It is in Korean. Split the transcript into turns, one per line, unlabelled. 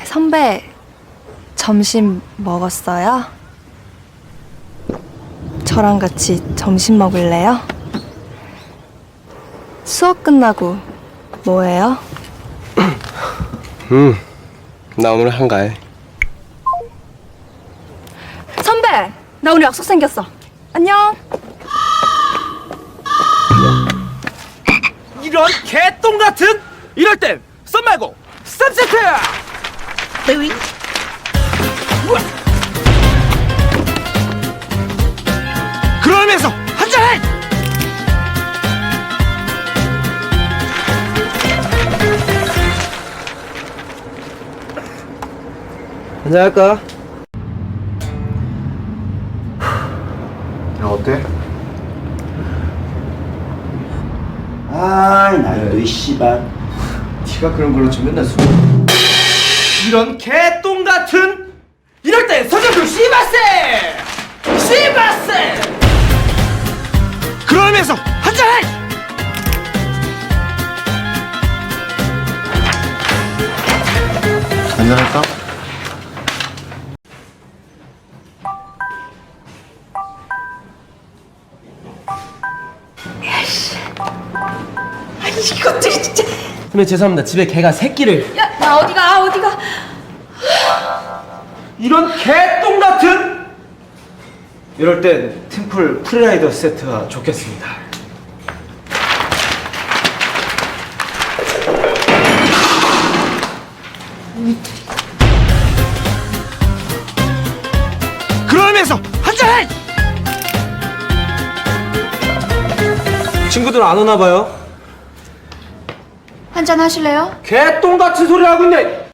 선배, 점심 먹었어요? 저랑 같이 점심 먹을래요? 수업 끝나고 뭐해요?
나 오늘 한가해.
선배! 나 오늘 약속 생겼어. 안녕.
이런 개똥 같은! 이럴 땐 썸 말고 쌈 세트! 우와. 그러면서 한잔해!
한잔할까?
야, 어때? 아이, 나도 이 씨발.
네가 그런 걸로 좀 맨날 술.
이런 개똥 같은! 이럴 땐 서정도 씨바세! 씨바세! 그러면서 한잔해!
한잔할까?
이것들이 진짜.
선배 죄송합니다. 집에 개가 새끼를.
야, 나 어디가.
이런 개똥 같은! 이럴 땐 팀플 프리라이더 세트가 좋겠습니다. 그러면서 한잔해! 친구들 안 오나 봐요.
한잔 하실래요?
개똥 같은 소리 하고 있네!